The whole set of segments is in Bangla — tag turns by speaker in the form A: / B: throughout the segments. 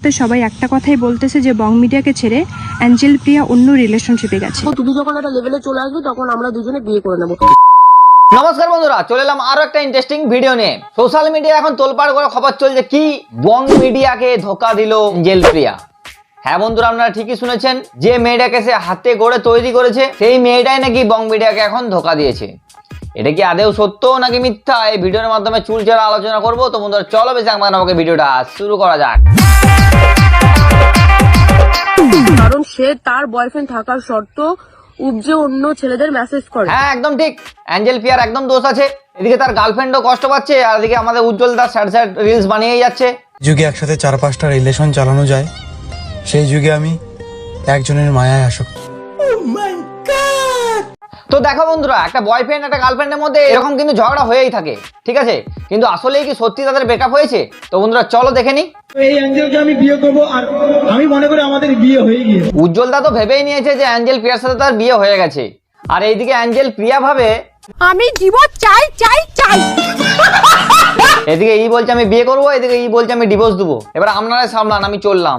A: মুহূর্তে সবাই একটা কথাই বলতেছে যে বং মিডিয়াকে ছেড়ে অ্যাঞ্জেল প্রিয়া অন্য রিলেশনশিপে গেছে।
B: তুমি যখন একটা লেভেলে চলে আসবে তখন আমরা দুজনে বিয়ে করে নেবো।
C: নমস্কার বন্ধুরা, চলে এলাম আরো একটা ইন্টারেস্টিং ভিডিও নিয়ে। সোশ্যাল মিডিয়া এখন তোলপাড় করে খবর চলছে কি বং মিডিয়াকে ধোকা দিল অ্যাঞ্জেল প্রিয়া। হ্যাঁ বন্ধুরা, আপনারা ঠিকই শুনেছেন, যে মেয়েটাকে সে হাতে গড়ে তৈরি করেছে সেই মেয়েটাই নাকি বং মিডিয়াকে এখন ধোকা দিয়েছে। এটা কি আদেও সত্য নাকি মিথ্যা, এই ভিডিওর মাধ্যমে চুলচেরা আলোচনা করবো। তো বন্ধুরা চলো বেশি আমাকে ভিডিওটা শুরু করা যাক।
B: কারণ সে তার বয়ফ্রেন্ড থাকার শর্ত উপজে অন্য ছেলেদের মেসেজ করে।
C: হ্যাঁ একদম ঠিক, অ্যাঞ্জেল প্রিয়ার একদম দোষ আছে। এদিকে তার গার্লফ্রেন্ডও কষ্ট পাচ্ছে, আর এদিকে আমাদের Ujjwal Das sad sad reels বানিয়েই যাচ্ছে।
D: যুগে একসাথে 4-5টা রিলেশন চালানো যায়, সেই যুগে আমি একজনের মায়ায় আসক্ত।
C: তো দেখো বন্ধুরা, একটা বয়ফ্রেন্ড একটা গার্লফ্রেন্ডের মধ্যে এরকম কিন্তু ঝগড়া হয়েই থাকে, ঠিক আছে, কিন্তু আসলেই কি সত্যি তাদের ব্রেকআপ হয়েছে? তো বন্ধুরা চলো দেখে নি।
E: এই অ্যাঞ্জেলকে আমি বিয়ে করব, আর আমি মনে করি আমাদের বিয়ে হয়ে গিয়েছে।
C: উজ্জ্বল দা তো ভেবেই নিয়েছে যে অ্যাঞ্জেল প্রিয়ার সাথে তার বিয়ে হয়ে গেছে, আর এইদিকে অ্যাঞ্জেল প্রিয়া ভাবে
B: আমি ডিভোর্স চাই চাই চাই।
C: এদিকে এই বলছে আমি বিয়ে করবো, এদিকে এই বলছে আমি ডিভোর্স দেবো। এবার আপনারা সামলান, আমি চললাম।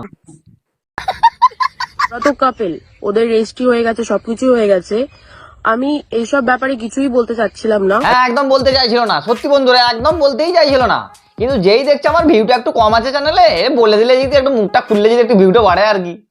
B: ওরা তো কাপেল, ওদের রেজিস্ট্রি হয়ে গেছে, সবকিছু হয়ে গেছে। আমি এইসব ব্যাপারে কিছুই বলতে চাচ্ছিলাম না।
C: হ্যাঁ একদম বলতে চাইছিল না, সত্যি বন্ধুরা একদম বলতেই চাইছিল না, কিন্তু যেই দেখছে আমার ভিউটা একটু কম আছে চ্যানেলে, বলে দিলে যদি একটু মুখটা খুললে যদি একটু ভিউটা বাড়ে আর কি।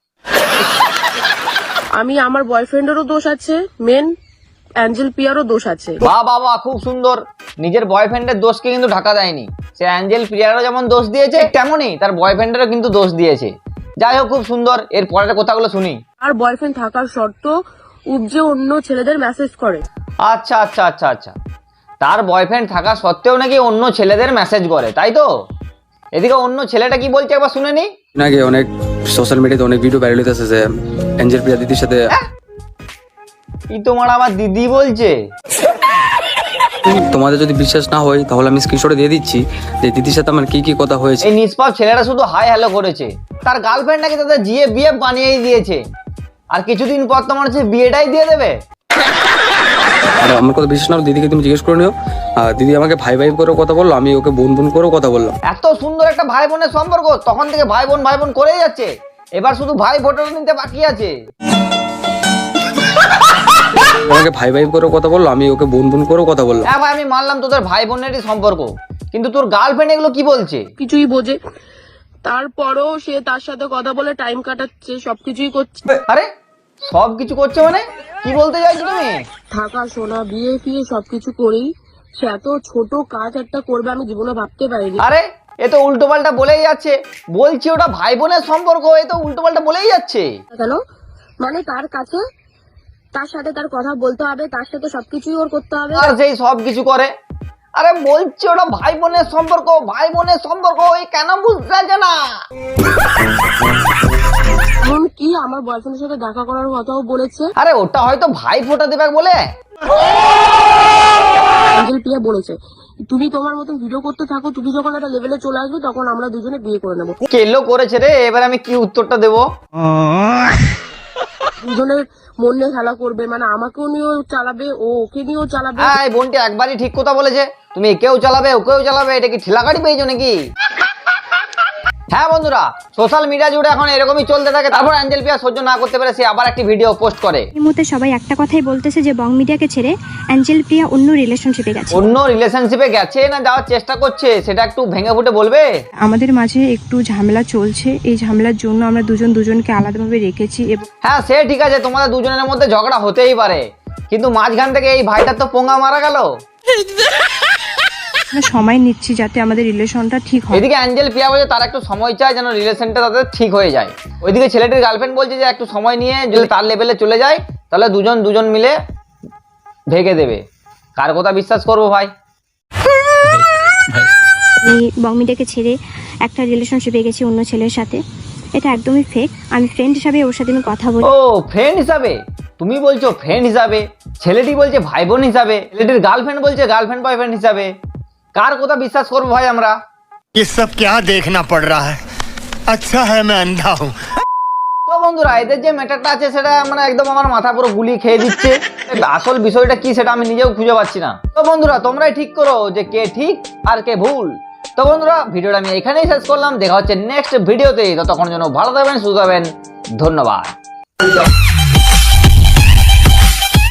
B: আমি আমার বয়ফ্রেন্ডেরও দোষ আছে, মেন অ্যাঞ্জেল পিয়ারও দোষ আছে।
C: বাবা খুব সুন্দর, নিজের বয়ফ্রেন্ডের দোষকে কিন্তু ঢাকা দেয়নি। সে অ্যাঞ্জেল প্রিয়ারও যেমন দোষ দিয়েছে, তেমনই তার বয়ফ্রেন্ডেরও কিন্তু দোষ দিয়েছে। যাই হোক, খুব সুন্দর। এর পরের কথাগুলো শুনি।
B: আর বয়ফ্রেন্ড থাকার শর্ত উপজে অন্য ছেলেদের মেসেজ করে।
C: আচ্ছা আচ্ছা আচ্ছা আচ্ছা, তার বয়ফ্রেন্ড থাকা সত্ত্বেও নাকি অন্য ছেলেদের মেসেজ করে, তাই তো? এদিকে অন্য ছেলেটা কি বলছে একবার শুনে নি।
F: আগে অনেক সোশ্যাল মিডিয়াতে অনেক ভিডিও ভাইরাল হইতেছে যে অ্যাঞ্জেল প্রিয়া দিদির সাথে।
C: কি তোমার আমার দিদি বলছে?
F: তোমাদের যদি বিশ্বাস না হয় তাহলে আমি স্ক্রিনশটে দিয়ে দিচ্ছি যে দিদির সাথে আমার কি কি কথা হয়েছে।
C: এই নিষ্পাপ ছেলেটা শুধু হাই হ্যালো করেছে, তার গার্লফ্রেন্ড নাকি তাদের জিএ বিয়ে বানিয়েই দিয়েছে, আর কিছুদিন পর তোমার হচ্ছে বিয়েটাই দিয়ে দেবে।
F: আর আমার কথা বিশ্বাস না হলে দিদিকে তুমি জিজ্ঞেস করে নিও। দিদি আমাকে ভাই ভাই করে কথা বললো, আমি ওকে বোন বোন করেও কথা বললাম।
C: এত সুন্দর একটা ভাই বোনের সম্পর্ক, তখন থেকে ভাই বোন করেই যাচ্ছে, এবার শুধু ভাই ভোটার নিতে বাকি আছে।
F: আমাকে ভাই ভাই করে কথা বললো, আমি ওকে বোন বোন করেও কথা বললাম।
C: হ্যাঁ ভাই, আমি মানলাম তোদের ভাই বোনেরই সম্পর্ক, কিন্তু তোর গার্লফ্রেন্ড এগুলো কি বলছে?
B: কিছুই বোঝে, তারপরও সে তার সাথে কথা বলে টাইম কাটাচ্ছে, সবকিছুই করছে।
C: আরে সব কিছু করছে মানে কি বলতে চাইছো তুমি?
B: থাকা শোনা বিয়ে ফিয়ে সবকিছু করেই সে এত ছোট কাজ একটা করবে আমি জীবনে ভাবতে পারিনি।
C: আরে এ তো উল্টো পাল্টা বলেই যাচ্ছে, বলছি ওটা ভাই বোনের সম্পর্ক, এ তো উল্টো পাল্টা বলেই যাচ্ছে।
B: কেন? মানে তার কাছে তার সাথে তার কথা বলতে হবে, তার সাথে সবকিছুই ওর করতে হবে।
C: আর সেই সব কিছু করে। আরে বলছি ওটা ভাই বোনের সম্পর্ক, ভাই বোনের সম্পর্ক, এই কেন বুঝতে চাইছে না?
B: এমন কি আমার বয়ফ্রেন্ডের সাথে দেখা করার কথাও বলেছে।
C: আরে ওটা হয়তো ভাই ফোঁটা দেবে বলে।
B: অ্যাঞ্জেল প্রিয়া বলেছে তুমি তোমার মতন ভিডিও করতে থাকো, তুমি যখন একটা লেভেলে চলে আসবে তখন আমরা দুজনে বিয়ে করে নেবো।
C: কেলো করেছে রে, এবার আমি কি উত্তরটা দেবো?
B: দুজনের মন নিয়ে খেলা করবে, মানে আমাকেও নিয়েও চালাবে, ও ওকে নিয়েও চালাবে।
C: হ্যাঁ এই বোনটি একবারই ঠিক কথা বলেছে, তুমি একেও চালাবে ওকেও চালাবে, এটা কি ঠেলা গাড়ি পেয়েছো নাকি? হ্যাঁ বন্ধুরা, সোশ্যাল মিডিয়া জুড়ে এখন এরকমই চলতে থাকে। তারপর অ্যাঞ্জেল প্রিয়া সহ্য না করতে পেরে সে আবার একটি ভিডিও পোস্ট করে।
A: এই মুহূর্তে সবাই একটা কথাই বলতেছে যে বং মিডিয়াকে ছেড়ে অ্যাঞ্জেল প্রিয়া অন্য রিলেশনশিপে গেছে।
C: অন্য রিলেশনশিপে গেছে না যাওয়ার চেষ্টা করছে, সেটা একটু ভেঙে ফুটে বলবে?
A: আমাদের মাঝে একটু ঝামেলা চলছে, এই ঝামেলার জন্য আমরা দুজনকে আলাদাভাবে রেখেছি এবং
C: হ্যাঁ সে ঠিক আছে, তোমাদের দুজনের মধ্যে ঝগড়া হতেই পারে, কিন্তু মাঝখান থেকে এই ভাইটার তো পোঙা মারা গেল।
A: সময় নিচ্ছি যাতে আমাদের রিলেশনটা ঠিক হয়।
C: এদিকে অ্যাঞ্জেল প্রিয়া বলছে তার একটু সময় চায় যেন রিলেশনটা তাদের ঠিক হয়ে যায়। ওইদিকে ছেলেটির গার্লফ্রেন্ড বলছে যে একটু সময় নিয়ে যদি তার লেভেলে চলে যায় তাহলে দুজন মিলে ভেঙে দেবে। কার কথা বিশ্বাস করবো ভাই?
A: আমি বং মিডিয়াকে ছেড়ে একটা রিলেশনশিপে গেছি অন্য ছেলের সাথে, এটা একদমই ফেক। আমি ফ্রেন্ড হিসাবে ওর সাথে আমি কথা বলি।
C: ও ফ্রেন্ড হিসাবে? তুমি বলছো ফ্রেন্ড হিসাবে, ছেলেটি বলছে ভাই বোন হিসাবে, ছেলেটির গার্লফ্রেন্ড বলছে গার্লফ্রেন্ড বয়ফ্রেন্ড হিসাবে। কার কথা বিশ্বাস করবো ভাই আমরা?
G: ये सब क्या देखना पड़ रहा है? अच्छा है मैं अंधा हूँ।
C: তো বন্ধুরা, এদের যে ম্যাটারটা আছে সেটা মানে একদম আমার মাথা পুরো গুলি খেয়ে দিচ্ছে। আসল বিষয়টা কি সেটা আমি নিজেও খুঁজে পাচ্ছি না। তো বন্ধুরা তোমরাই ঠিক করো যে কে ঠিক আর কে ভুল। তো বন্ধুরা ভিডিওটা আমি এখানেই শেষ করলাম, দেখা হচ্ছে নেক্সট ভিডিওতে। ততক্ষণ জন্য ভালো থাকবেন, সুস্থ থাকবেন, ধন্যবাদ।